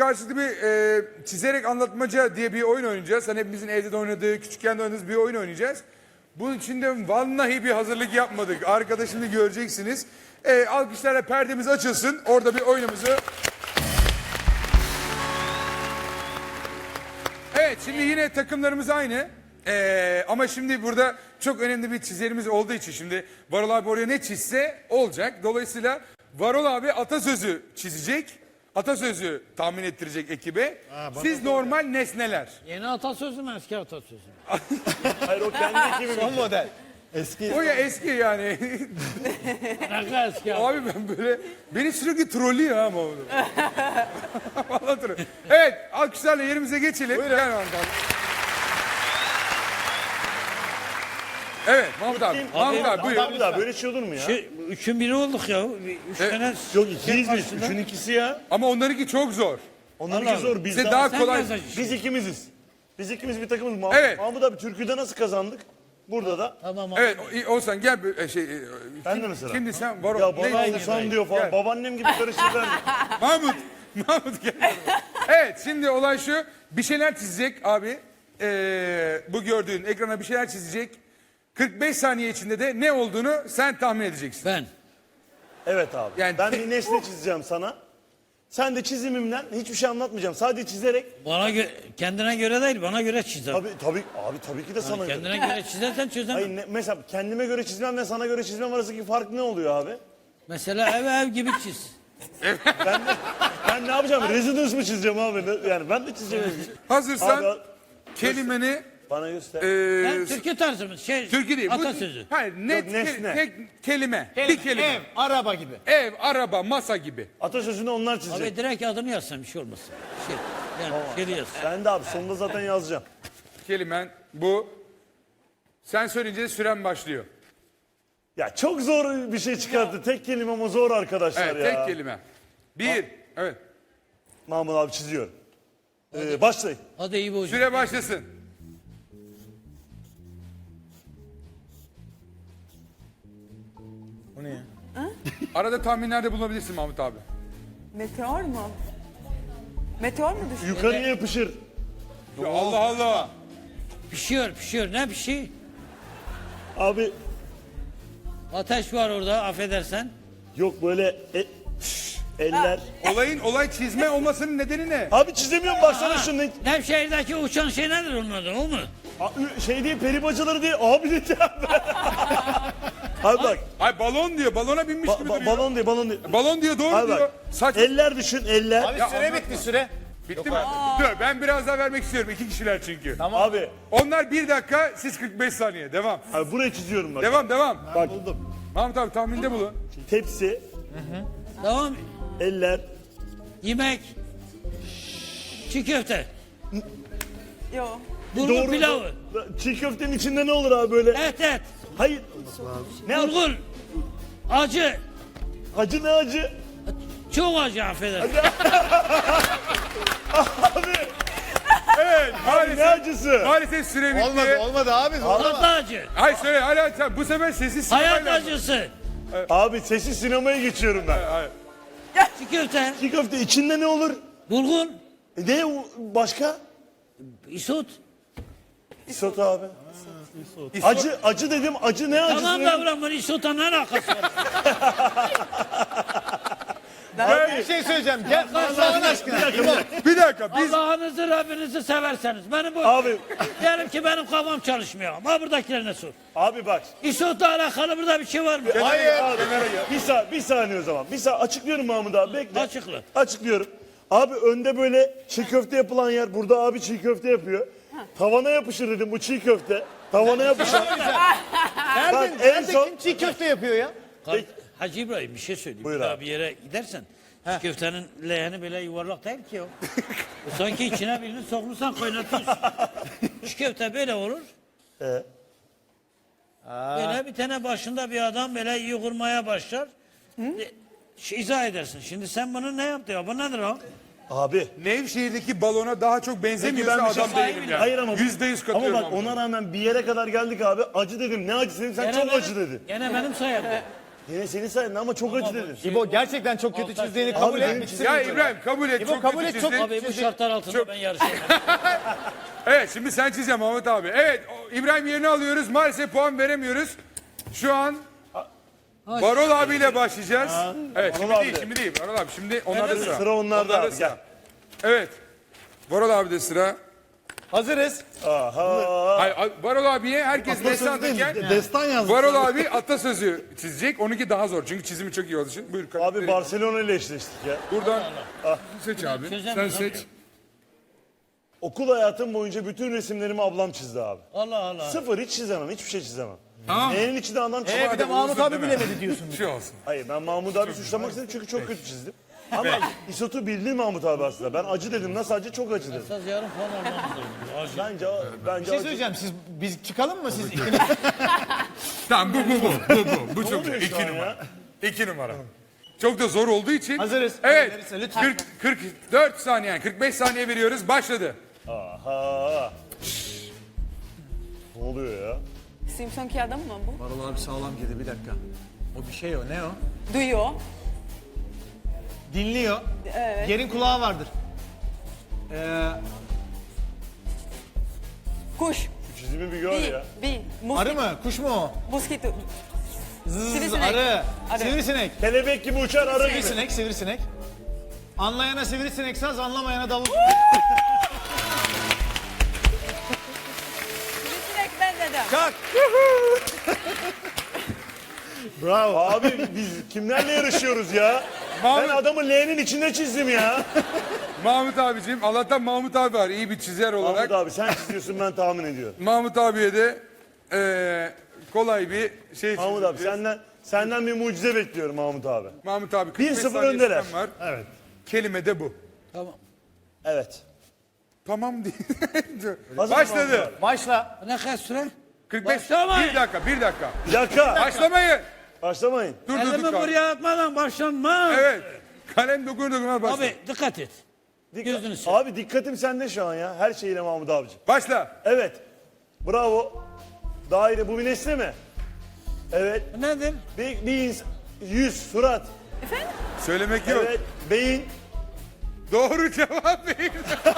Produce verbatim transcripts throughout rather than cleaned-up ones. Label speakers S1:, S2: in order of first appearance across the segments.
S1: karşılıklı bir e, çizerek anlatmaca diye bir oyun oynayacağız. Hani hepimizin evde de oynadığı, küçükken de oynadığımız bir oyun oynayacağız. Bunun için de vallahi bir hazırlık yapmadık. Arkada şimdi göreceksiniz. E, alkışlarla perdemiz açılsın. Orada bir oyunumuzu... Evet, şimdi yine takımlarımız aynı. Ee, ama şimdi burada çok önemli bir çizerimiz olduğu için şimdi Varol abi oraya ne çizse olacak. Dolayısıyla Varol abi atasözü çizecek. Atasözü tahmin ettirecek ekibe.
S2: Ha,
S1: Siz normal nesneler.
S3: Yeni atasözü mü eski atasözü mü?
S2: Hayır o kendi ekibi. Son model. Eski.
S1: O ya eski yani.
S3: Ne kadar eski abi?
S1: Abi ben böyle beni sürekli trollüyor ha Mahmut. Vallahi troll. Evet, alkışlarla yerimize geçelim. Gel Mahmut abi. Evet Mahmut abi. Mahmut abi buyur.
S2: Abi daha böyle şey olur mu ya?
S3: Şey, üçün biri olduk ya. Üç
S1: Evet.
S3: tane...
S2: Yok ikiyiz biz.
S3: karşısında.
S2: Üçün ikisi ya.
S1: Ama onlarınki çok zor.
S2: Onlarınki
S3: Allah
S2: zor. Biz
S1: Size
S2: daha...
S1: daha
S3: Sen
S1: kolay.
S3: yazacaksın.
S2: Biz ikimiziz. Biz ikimiz bir takımız. Mah
S1: Evet.
S2: Mahmut abi Türkü'de nasıl kazandık? Burada da.
S3: Tamam abi.
S1: Evet o- Oğuzhan gel bir- e, şey. e,
S2: Ben
S1: kim-
S2: de mesela.
S1: Şimdi sen var
S2: Ya bana
S1: ne-
S2: Oğuzhan diyor falan.
S1: Gel.
S2: Babaannem gibi karıştırdılar.
S1: Mahmut. Mahmut gel. Evet şimdi olay şu. Bir şeyler çizecek abi. Ee, bu gördüğün ekrana bir şeyler çizecek. kırk beş saniye içinde de ne olduğunu sen tahmin edeceksin.
S3: Ben.
S2: Evet abi.
S1: Yani
S2: ben
S1: te-
S2: bir nesne çizeceğim sana. Sen de çizimimden hiçbir şey anlatmayacağım. Sadece çizerek.
S3: Bana gö- kendine göre değil, bana göre çizer.
S2: Tabii tabii abi tabii ki de sana göre.
S3: Kendine göre çizersen çözemem.
S2: Hayır ne- mesela kendime göre çizmemle sana göre çizmem arasındaki fark ne oluyor abi?
S3: Mesela ev ev gibi çiz.
S2: Ben, de, ben ne yapacağım? Residence mi çizeceğim abi? Ne- Yani ben de çizeceğim.
S1: Hazırsan
S2: Abi,
S1: kelimeni
S2: bana göster.
S1: e,
S3: Ben Türkiye tarzı mı? Şey,
S1: Türkiye değil. Bu-
S3: atasözü.
S1: Hayır net
S2: Yok, nesne.
S1: ke- tek kelime. Bir kelime.
S4: Ev, araba gibi.
S1: Ev, araba, masa gibi.
S2: Atasözünü onlar çizecek.
S3: Abi direkt adını yazsam bir şey olmasın. Şey, yani şey yaz.
S2: Ben de abi sonunda zaten yazacağım.
S1: Kelimen bu. Sen söyleyince süren başlıyor.
S2: Ya çok zor bir şey çıkarttı. Tek kelime ama zor arkadaşlar
S1: Evet
S2: ya.
S1: tek kelime. Bir. Evet.
S2: Mahmut abi çiziyorum. Ee, başlayın.
S3: Hadi iyi bu hocam.
S1: Süre başlasın.
S4: O ne ya?
S1: Arada tahminlerde bulunabilirsin Mahmut abi.
S5: Meteor mu? Meteor mu düştü?
S2: Yukarıya yapışır.
S1: Ya Allah Allah.
S3: Pişiyor pişiyor. Ne bir şey?
S2: Abi
S3: Ateş var orada affedersen.
S2: yok böyle e- eller.
S1: Olayın olay çizme olmasının nedeni ne?
S2: Abi çizemiyorum baksana şunu.
S3: Nevşehir'deki uçan şey nedir onun adı o mu?
S2: A- Şey değil peri bacaları değil. Abi diyeceğim ben. Abi bak.
S1: Ay balon diyor. Balona binmiş
S2: ba-
S1: gibi
S2: ba-
S1: duruyor.
S2: balon değil balon değil.
S1: Balon diyor doğru
S2: Abi
S1: diyor.
S2: bak.
S1: Saç
S2: Eller düşün eller.
S4: Abi süre bitti süre.
S1: bitti mi? Dur ben biraz daha vermek istiyorum. İki kişiler çünkü.
S2: Abi,
S1: Onlar bir dakika siz kırk beş saniye. Devam.
S2: abi buraya çiziyorum bak.
S1: Devam devam.
S2: Bak
S1: Mahmut abi tahminde bulun.
S2: tepsi,
S3: Tamam.
S2: eller.
S3: Yemek. Çiğ köfte.
S5: Yo.
S3: Bulgur pilavı.
S2: Çiğ köftenin içinde ne olur abi böyle?
S3: Et et.
S2: Hayır. Ne yap-
S3: Bulgur. Acı.
S2: Acı ne acı?
S3: Çok acı affedersin.
S2: Abi,
S1: Evet
S2: ne
S1: maalesef,
S2: acısı?
S1: maalesef süre bitti.
S4: Olmadı olmadı abi.
S3: Tatlı acı.
S1: Hayır söyle hala sen bu sefer sessiz
S3: Hayat
S1: sinemayla-
S3: acısı.
S2: Abi sessiz sinemaya geçiyorum ben.
S3: Çiğ köfte.
S2: Çiğ köfte içinde ne olur?
S3: Bulgur.
S2: E ne o- başka?
S3: Isot.
S2: İsot abi. Acı acı dedim. Acı ne acısı?
S3: Tamam
S2: dedim?
S3: da bırak bunu isotla ne alakası var?
S4: Bir şey söyleyeceğim. Gel Allah'ın aşkına.
S1: Bir dakika biz
S3: Allah'ınızı Rabbinizi severseniz. Benim bu...
S2: Abi
S3: Diyelim ki benim kafam çalışmıyor. Ama buradakilerine sor.
S2: abi bak.
S3: İsotla alakalı burada bir şey var mı?
S2: Hayır. Abi, bir, sa bir saniye o zaman. Bir saniye açıklıyorum Mahmut abi. Bekle.
S3: Açıkla.
S2: Açıklıyorum. Abi önde böyle çiğ köfte yapılan yer. Burada abi çiğ köfte yapıyor. Tavana yapışır dedim bu çiğ köfte. Tavana yapışır. Bak,
S4: Nerede,
S2: en
S4: nerede
S2: son-
S4: kim çiğ köfte yapıyor ya?
S3: Kar- Hacı İbrahim bir şey söyleyeyim.
S2: Buyur
S3: Bir daha
S2: abi.
S3: bir yere gidersen çiğ köftenin leğeni böyle yuvarlak değil ki o. O sanki içine birini sokmuşsan kaynatıyorsun. Çiğ köfte böyle olur.
S2: Ee?
S3: Böyle bir tane başında bir adam böyle yoğurmaya başlar. E, şey, izah edersin. Şimdi sen bunu ne yaptın ya? Bu nedir o?
S2: Abi.
S1: Nevşehir'deki balona daha çok
S2: Peki
S1: benzemiyorsa
S2: ben bir şey
S1: adam
S2: söyleyeyim
S1: değilim
S2: mi?
S1: yani.
S2: Hayır ama.
S1: Yüzde yüz
S2: Ama
S1: katılıyorum.
S2: bak ona rağmen bir yere kadar geldik abi. Acı dedim. Ne acısı dedim. Sen
S3: Gene
S2: çok
S3: benim-
S2: acı dedin.
S3: Gene benim sayemde.
S2: Yine senin sayende ama çok acı dedin.
S4: İbo gerçekten çok kötü
S3: Altay
S4: çizdiğini
S3: Şener.
S4: kabul
S2: Abi benim
S4: et.
S2: çizim-
S1: Ya İbrahim kabul et.
S4: İbo,
S1: çok
S4: kabul
S1: kötü
S4: et, çok-
S1: çizdin.
S3: Abi bu şartlar altında ben yarışamam.
S1: Evet şimdi sen çizeceğim Mahmut abi. Evet o- İbrahim yerini alıyoruz. Maalesef puan veremiyoruz. Şu an Varol abiyle başlayacağız. Evet şimdi
S2: Varol
S1: değil
S2: abi.
S1: şimdi değil. Varol abi şimdi onlarda sıra.
S2: Sıra onlarda abi,
S1: sıra.
S2: gel.
S1: Evet. Varol abi de sıra.
S4: Hazırız.
S2: Aha.
S1: Hayır, Varol abiye herkes destan derken
S2: Destan yazdı.
S1: Varol abi atasözü çizecek. Onunki daha zor çünkü çizimi çok iyi olduğu için. Buyur.
S2: Abi
S1: karakteri.
S2: Barcelona ile eşleştik ya.
S1: Buradan seç abi. Sen
S3: Çözemez
S1: seç.
S3: abi.
S2: Okul hayatım boyunca bütün resimlerimi ablam çizdi abi.
S3: Allah Allah.
S2: Sıfır hiç çizemem, hiçbir şey çizemem.
S1: Tamam.
S2: Neyin içinde adam
S4: Ee,
S2: çizemem.
S4: bir de Mahmut
S1: uzun
S4: abi
S1: deme.
S4: bilemedi diyorsun.
S1: Bir şey olsun.
S2: Hayır ben Mahmut abi suçlamak istedim çünkü çok kötü çizdim. Ama İsot'u bildi Mahmut abi aslında. Ben acı dedim. Nasıl acı? Çok acı dedim.
S3: Esas yarım puan almamız lazım.
S2: Bence, bence
S4: Bir şey
S2: acı.
S4: söyleyeceğim. Siz biz çıkalım mı siz ikiniz?
S1: Tamam bu bu bu. Bu bu. Bu çok
S2: oluyor
S1: güzel.
S2: şu
S1: İki
S2: an
S1: numara.
S2: ya?
S1: İki numara. Çok da zor olduğu için.
S4: Hazırız.
S1: Evet.
S4: Hazırız, lütfen.
S1: kırk, kırk dört saniye yani kırk beş saniye veriyoruz. Başladı.
S2: Aha. Ne oluyor ya?
S5: Simpson'ki adam mı bu?
S4: Varol abi sağlam girdi bir dakika. O bir şey o. Ne o?
S5: Duyuyor.
S4: Dinliyor.
S5: Evet.
S4: Yerin kulağı vardır. Ee,
S5: Kuş.
S2: Şu çizimi bir gör
S5: Bir.
S2: ya.
S5: Bir.
S4: arı
S5: Mosquito.
S4: mı? Kuş mu o?
S5: Mosquito.
S4: Zzz,
S5: Sivrisinek.
S4: arı.
S5: Arı.
S4: Sivrisinek.
S2: Kelebek gibi uçar arı gibi.
S4: Sivrisinek, sivrisinek. Anlayana sivrisinek saz, anlamayana davul.
S5: Sivrisinek ben dedim.
S4: Kalk.
S2: Bravo. Abi biz kimlerle yarışıyoruz ya?
S1: Mahmut,
S2: Ben adamı L'nin içinde çizdim ya.
S1: Mahmut abicim. Allah'tan Mahmut abi var. İyi bir çizer olarak.
S2: Mahmut abi sen çiziyorsun ben tahmin ediyorum.
S1: Mahmut abiye de eee, kolay bir şey
S2: Mahmut abi
S1: çizeceğiz.
S2: senden senden bir mucize bekliyorum Mahmut abi.
S1: Mahmut abi kırk
S2: bir
S1: beş
S2: sıfır
S1: saniye
S2: öndeler.
S1: süren var.
S2: Evet.
S1: Kelime de bu.
S3: Tamam.
S2: Evet.
S1: Tamam değil.
S2: Hazır mı Mahmut
S1: Başladı.
S2: abi?
S4: Başla.
S3: Ne kadar süre?
S1: kırk beş.
S3: Başlamayın.
S1: Bir dakika, bir dakika.
S2: Bir dakika.
S1: Başlamayın.
S2: Başlamayın.
S1: Dur dur
S3: Elimi
S1: dur.
S3: buraya atmadan başlanma.
S1: Evet. Kalem dokunur dokunmaz başla.
S3: Abi dikkat et.
S2: Dikkat-
S3: Gözünü seveyim.
S2: Abi dikkatim sende şu an ya. Her şeyle Mahmut abicim.
S1: Başla.
S2: Evet. Bravo. Daire bu bir nesne mi? Evet.
S3: Bu nedir?
S2: Bir, bir ins- yüz, surat.
S1: Söylemek yok.
S2: Evet. Beyin.
S1: Doğru cevap verin.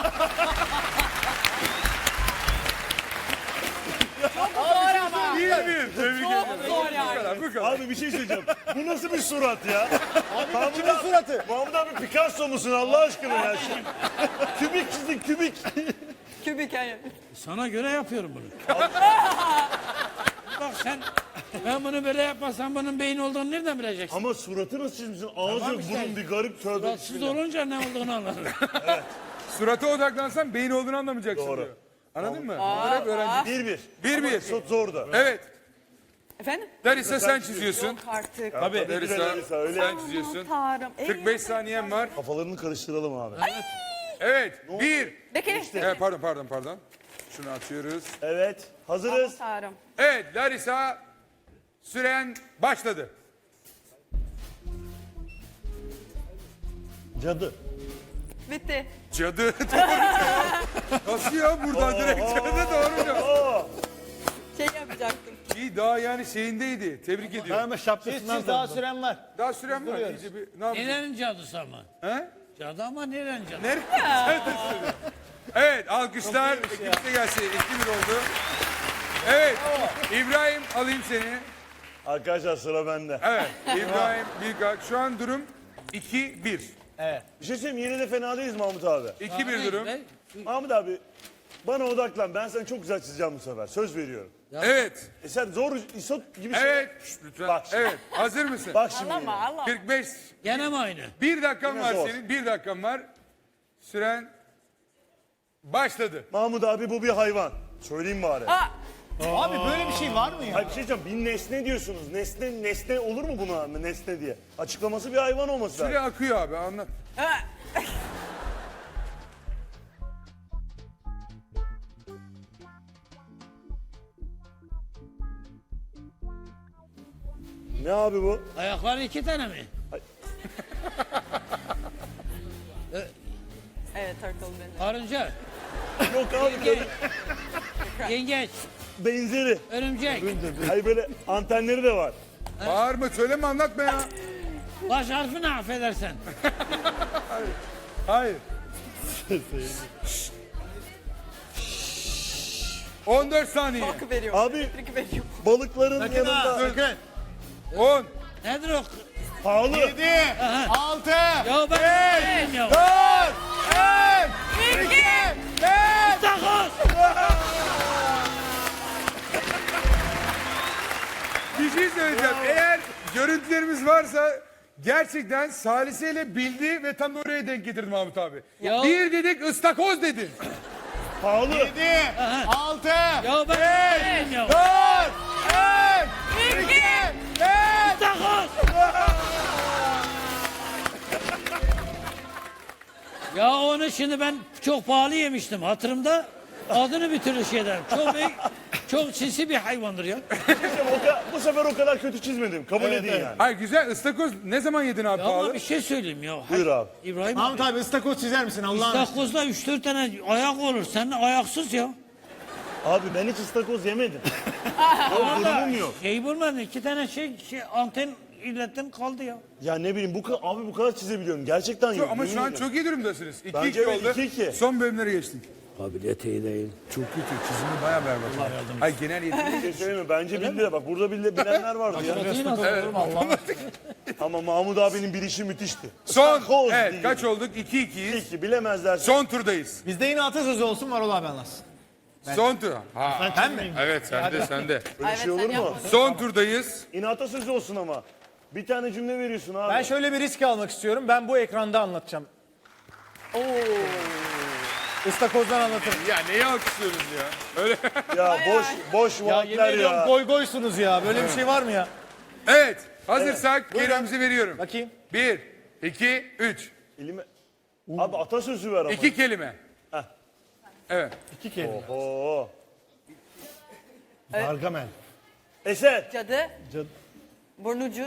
S5: Zor ama.
S1: Bir bir. Tebrik ederim.
S5: Zor
S1: Bu
S5: yani.
S1: kadar, bu kadar.
S2: Abi bir şey söyleyeceğim. Bu nasıl bir surat ya? Mahmut
S4: Kimin suratı?
S2: Mahmut abi Picasso musun Allah aşkına ya? Kübik çizdin kübik.
S5: Kübik yani.
S3: Sana göre yapıyorum bunu. Bak sen, ben bunu böyle yapmasam bunun beyin olduğunu nereden bileceksin?
S2: Ama suratı nasıl çizmişsin? Ağız
S3: Tamam
S2: yok,
S3: işte.
S2: burun bir garip tövbe.
S3: Suratsız
S2: bismillah.
S3: olunca ne olduğunu anlarım.
S1: Surata odaklansan beyin olduğunu anlamayacaksın
S2: Doğru.
S1: diyor. Anladın mı? Bunlar hep öğrenci.
S2: Bir bir.
S1: Bir bir.
S2: Çok zordu.
S1: Evet.
S5: Efendim?
S1: Larissa sen çiziyorsun.
S5: Yok artık.
S2: Tabii.
S1: Larissa
S2: Larissa öyle.
S1: sen çiziyorsun.
S5: Tanrım.
S1: kırk beş saniyen var.
S2: Kafalarını karıştıralım abi.
S1: Evet. Bir.
S5: Bekle.
S1: Evet, pardon pardon pardon. Şunu açıyoruz.
S2: Evet. Hazırız.
S5: Tanrım.
S1: Evet Larissa süren başladı.
S2: Cadı.
S5: Bitti.
S1: Cadı doğru cevap. Nasıl ya buradan direkt cadı doğru cevap.
S2: Aa,
S5: Şey yapacaktım.
S1: İyi daha yani şeyindeydi. Tebrik ediyorum.
S4: Ama şapkasından siz daha süren var.
S1: Daha süren var. İyice bir, ne yapacağız?
S3: Nerenin cadısı ama?
S1: He?
S3: Cadı ama nerenin cadısı?
S1: Nereye? Sen de söyle. Evet alkışlar. Ekipte gelsin. iki bir oldu. Evet. İbrahim alayım seni.
S2: arkadaşlar sıra bende.
S1: Evet. İbrahim Bilgak. Şu an durum iki bir.
S2: Bir şey söyleyeyim yine de fena değiliz Mahmut abi.
S1: iki bir durum.
S2: Mahmut abi bana odaklan. Ben sana çok güzel çizeceğim bu sefer. Söz veriyorum.
S1: Evet.
S2: E sen zor isot gibi şey.
S1: Evet. Şşt, lütfen.
S2: Bak şimdi.
S1: Evet. Hazır mısın?
S2: Bak şimdi.
S5: Ağlama
S2: yine.
S5: ağlama.
S1: kırk beş.
S3: Gene mi aynı?
S1: Bir dakikan
S2: Yine
S1: var
S2: zor.
S1: senin. Bir dakikan var. Süren başladı.
S2: Mahmut abi bu bir hayvan. Söyleyeyim bari.
S5: Aa,
S4: Abi böyle bir şey var mı ya?
S2: Hayır bir şey diyeceğim. Bir nesne diyorsunuz. Nesne nesne olur mu buna nesne diye? Açıklaması bir hayvan olması
S1: Süre
S2: lazım.
S1: akıyor abi anlat.
S5: aa.
S2: Ne abi bu?
S3: Ayakları iki tane mi?
S5: Evet turtle benim.
S3: Karınca,
S2: Yok abi böyle
S3: yengeç,
S2: benzeri.
S3: örümcek.
S2: Hayır böyle antenleri de var.
S1: Bağırma söyleme anlatma ya.
S3: Baş harfi ne affedersen.
S1: Hayır. on dört saniye.
S5: Hakkı veriyor.
S2: Abi
S5: Trik veriyor.
S2: balıkların
S4: Sakın ha,
S2: yanında
S4: sakın.
S1: on.
S3: Nedir o?
S2: pahalı.
S4: yedi, altı,
S3: Ya ben bilmiyorum ya.
S4: dört, üç, iki, bir.
S3: Takoz.
S1: Bir şey söyleyeceğim. Eğer görüntülerimiz varsa gerçekten Salise ile bildi ve tam oraya denk getirdi Mahmut abi.
S3: Ya-
S1: Bir dedik ıstakoz dedin.
S2: Pahalı.
S4: yedi, altı,
S3: Ya ben bilmiyorum.
S4: dört, üç, iki, bir.
S3: Takoz. Ya onu şimdi ben çok pahalı yemiştim hatırımda. Adını bir türlü şey ederim. Çok büyük, çok sinsi bir hayvandır ya.
S2: O ka- bu sefer o kadar kötü çizmedim. Kabul edin yani.
S1: Hayır güzel ıstakoz ne zaman yedin abi
S3: Ya ama
S1: pahalı?
S3: bir şey söyleyeyim ya.
S2: Buyur abi.
S3: İbrahim
S4: Mahmut abi ıstakoz çizer misin Allah'ın aşkına?
S3: İstakozda üç dört tane ayak olur. Sen ayaksız ya.
S2: Abi ben hiç ıstakoz yemedim. o durumum yok.
S3: Şey bulmadın. iki tane şey, şey anten illettim kaldı ya.
S2: Ya ne bileyim bu ka- abi bu kadar çizebiliyorum. Gerçekten yok.
S1: Ama
S2: yemin
S1: şu an
S2: ediyorum.
S1: çok iyi durumdasınız. iki
S2: Bence
S1: iki
S2: evet,
S1: oldu.
S2: iki iki.
S1: Son bölümlere geçtik.
S3: Kabiliyet iyi değil.
S1: Çok kötü. Çizimi bayağı berbat. Hayır genel yeteneği.
S2: Bir şey söyleyeyim mi? Bence bildiler. Bak burada bile bilenler vardı ya. Ama Mahmut abinin bilişi müthişti.
S1: Son.
S2: Istakoz
S1: Evet
S2: diye.
S1: kaç olduk? iki ikiyiz.
S2: İki bilemezler.
S1: Son turdayız.
S4: Bizde yine atasözü olsun Varol abi anlatsın.
S1: Son tur. Ha.
S4: Ben mi?
S1: Evet sende sende.
S2: Böyle şey olur mu?
S1: Son turdayız.
S2: İnata sözü olsun ama. Bir tane cümle veriyorsun abi.
S4: Ben şöyle bir risk almak istiyorum. Ben bu ekranda anlatacağım. Oo. Istakozdan anlatırım.
S1: Ya neyi alkışlıyoruz ya? Öyle.
S2: Ya boş boş
S4: Ya yemin
S2: vaatler
S4: ediyorum
S2: ya.
S4: goy goysunuz ya. Böyle bir şey var mı ya?
S1: Evet. Hazırsak kelimemizi veriyorum.
S4: Bakayım.
S1: Bir, iki, üç.
S2: Elime... Abi atasözü ver ama.
S1: İki kelime.
S2: Heh.
S1: Evet.
S4: İki kelime.
S2: Oo.
S4: Gargamel.
S2: Eser.
S5: Cadı.
S4: Cadı.
S5: Burnucu.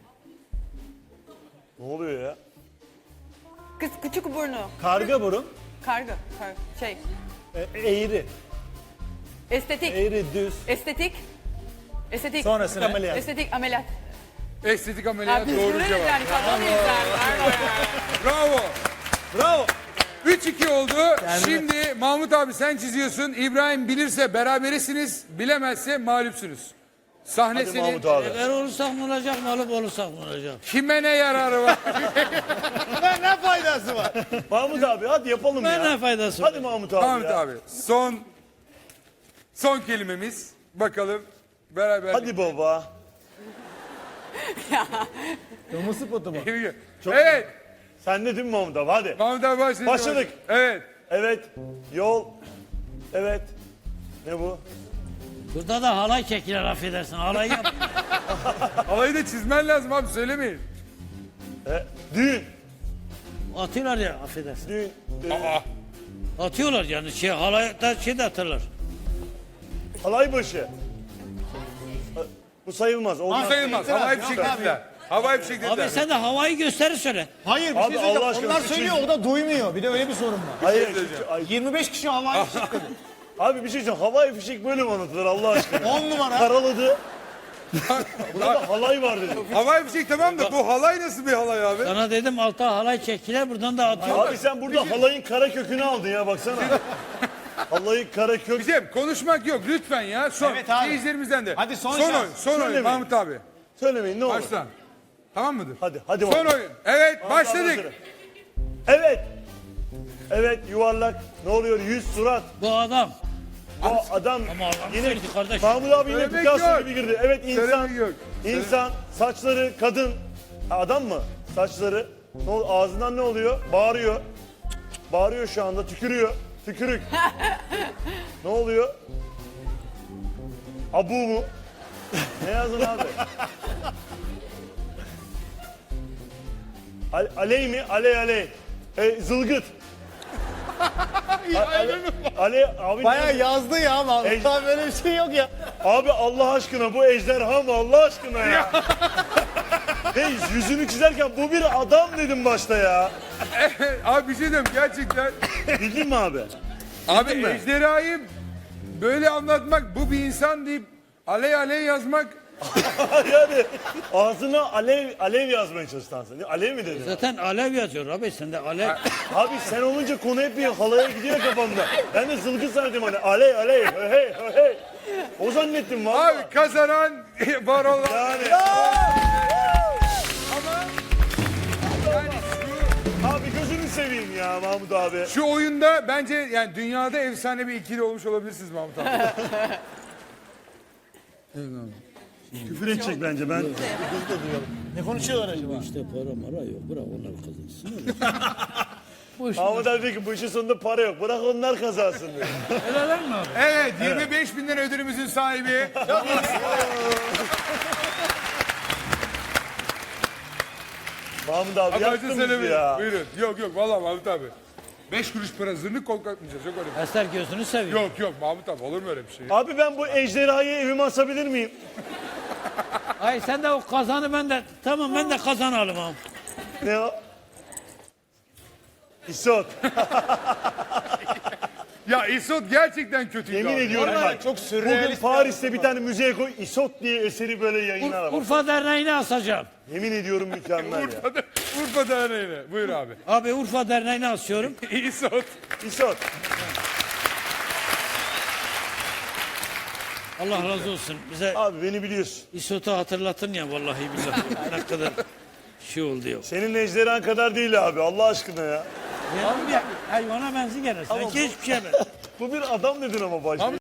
S2: Ne oluyor ya?
S5: Kız küçük burnu.
S4: Karga burun.
S5: Karga. Kar şey.
S4: E, eğri.
S5: Estetik.
S4: Eğri düz.
S5: Estetik. Estetik.
S4: Sonrasına ameliyat.
S5: Estetik ameliyat.
S1: Estetik
S5: Ya
S1: ameliyat
S5: biz
S1: doğru
S5: bunu
S1: cevap.
S5: yani kadın izler.
S1: Bravo.
S4: Bravo.
S1: üç iki oldu. Şimdi Mahmut abi sen çiziyorsun. İbrahim bilirse berabersiniz. Bilemezse mağlupsunuz. Sahne
S2: Hadi
S1: senin.
S2: Mahmut abi.
S3: Eğer olursak ne olacak, mağlup olursak ne olacak?
S1: Kime ne yararı var?
S4: Ne, ne faydası var?
S2: Mahmut abi hadi yapalım
S3: Ben
S2: ya.
S3: ne faydası var?
S2: Hadi Mahmut abi
S1: Mahmut
S2: ya.
S1: abi son son kelimemiz. Bakalım beraber.
S2: Hadi baba.
S4: Kırmızı potu mu?
S1: Evet.
S2: Sen de değil mi Mahmut abi? Hadi.
S1: Mahmut abi başladı.
S2: Başladık.
S1: Evet.
S2: Evet. Yol. Evet. Ne bu?
S3: Burada da halay çekilir affedersin. Halay yap.
S1: Alayı da çizmen lazım abi söylemeyin.
S2: E, düğün.
S3: Atıyorlar ya affedersin.
S2: Düğün. E,
S1: Aa.
S3: Atıyorlar yani şey halayda şey de atarlar.
S2: halay başı. E, Bu sayılmaz. Olmaz.
S1: Bu sayılmaz.
S4: İtiraz,
S1: Havai
S4: yok
S1: fişek
S4: abi.
S1: dediler. Havai fişek dediler.
S3: Abi sen de havayı gösteri söyle.
S4: Hayır bir
S2: Abi,
S4: şey söyleyeceğim.
S2: Allah aşkına
S4: Onlar
S2: bir
S4: söylüyor
S2: şey-
S4: o da duymuyor. Bir de öyle bir sorun var.
S2: Hayır.
S1: söyleyeceğim.
S2: Ay,
S4: yirmi beş kişi havai fişek dedi.
S2: abi bir şey diyeceğim. Havai fişek böyle mi anlatılır Allah aşkına?
S4: on numara.
S2: Karaladı. Burada halay var dedi.
S1: Havai fişek tamam da bu halay nasıl bir halay abi?
S3: Sana dedim alta halay çekilir buradan da atıyor.
S2: Abi sen burada halayın kara kökünü aldın ya baksana. Halayın kara kök.
S1: Bizim konuşmak yok lütfen ya. Son.
S4: Evet abi.
S1: Seyircilerimizden de.
S4: Hadi son
S1: son
S4: şans.
S1: oyun. Son oyun
S2: Söylemeyin.
S1: Mahmut abi.
S2: Söylemeyin ne olur.
S1: Başla. Tamam mıdır?
S2: Hadi hadi
S1: Son
S2: bakalım.
S1: oyun. Evet
S2: Mahmut abi
S1: başladık.
S2: hazır. Evet. Evet yuvarlak. Ne oluyor? Yüz surat.
S3: Bu adam.
S2: O adam
S3: Ama adam
S2: yine
S3: söyledi kardeş.
S2: Mahmut abi yine
S1: Söylemek
S2: Picasso
S1: yok.
S2: gibi girdi. Evet insan.
S1: Söylemek yok.
S2: İnsan saçları kadın. Ha, adam mı? Saçları. Ne ol- ağzından ne oluyor? Bağırıyor. Bağırıyor şu anda. Tükürüyor. Tükürük. Ne oluyor? Abu mu? Ne yazdın abi? Al- aley mi? Aley aley. E, zılgıt. A- ale, ale, abi,
S4: Bayağı
S2: ne-
S4: yazdı ya Mahmut
S2: Ej-
S4: abi böyle bir şey yok ya.
S2: abi Allah aşkına bu ejderha mı Allah aşkına ya? Hey yüzünü çizerken bu bir adam dedim başta ya.
S1: Abi bir şey diyeyim gerçekten.
S2: Bildin mi abi?
S1: Abi
S2: mi?
S1: ejderhayı böyle anlatmak bu bir insan deyip aley aley yazmak
S2: Yani ağzına alev alev yazmaya çalıştın sen. Alev mi dedin?
S3: Zaten alev yazıyor abi sende alev.
S2: Abi sen olunca konu hep bir halaya gidiyor kafamda. Ben de zılgı sandım hani alev alev hey hey hey. O zannettim valla.
S1: Abi kazanan Varol abi.
S2: Yani
S1: Ama yani şu,
S2: abi gözünü seveyim ya Mahmut abi.
S1: şu oyunda bence yani dünyada efsane bir ikili olmuş olabilirsiniz Mahmut abi.
S2: Küfür edecek bence ben.
S4: Ne konuşuyorlar acaba?
S3: İşte para mara yok bırak onlar kazansın.
S2: Mahmut abi diyor ki bu işin sonunda para yok. Bırak onlar kazansın diyor.
S3: Helal mi abi?
S1: Evet yirmi beş bin lira ödülümüzün sahibi.
S2: Mahmut abi
S1: Acı
S2: yaktın bizi
S1: söylemeyin.
S2: ya.
S1: Buyurun. Yok yok vallahi Mahmut abi. Beş kuruş para zırnık kol kalkmayacağız. Yok öyle bir
S3: Eser gözünü seveyim.
S1: şey. Yok yok Mahmut abi olur mu öyle bir şey?
S2: Abi ben bu ejderhayı evime asabilir miyim?
S3: Ay sen de o kazanı ben de tamam ben de kazan alayım abi.
S2: Ne o? İsot.
S1: Ya İsot gerçekten kötüydü
S2: Yemin
S1: abi.
S2: ediyorum bak.
S4: çok
S2: Bugün
S4: sürrealist.
S2: Paris'te bir tane müzeye koy. İsot diye eseri böyle yayınlar
S3: Ur-
S2: ama.
S3: Urfa Derneği'ne asacağım.
S2: Yemin ediyorum mükemmel ya.
S1: Urfa'da, Urfa Derneği'ne. Buyur abi.
S3: Abi Urfa Derneği'ne asıyorum.
S1: İsot.
S2: İsot.
S3: Allah razı olsun. Bize
S2: Abi beni biliyorsun.
S3: İsot'u hatırlatın ya vallahi billahi. Ne kadar şey oldu yok.
S2: Senin ejderhan kadar değil abi Allah aşkına ya.
S3: Abi ya hayvana benzi gene. Sanki hiçbir şey ben.
S2: Bu bir adam dedin ama başta.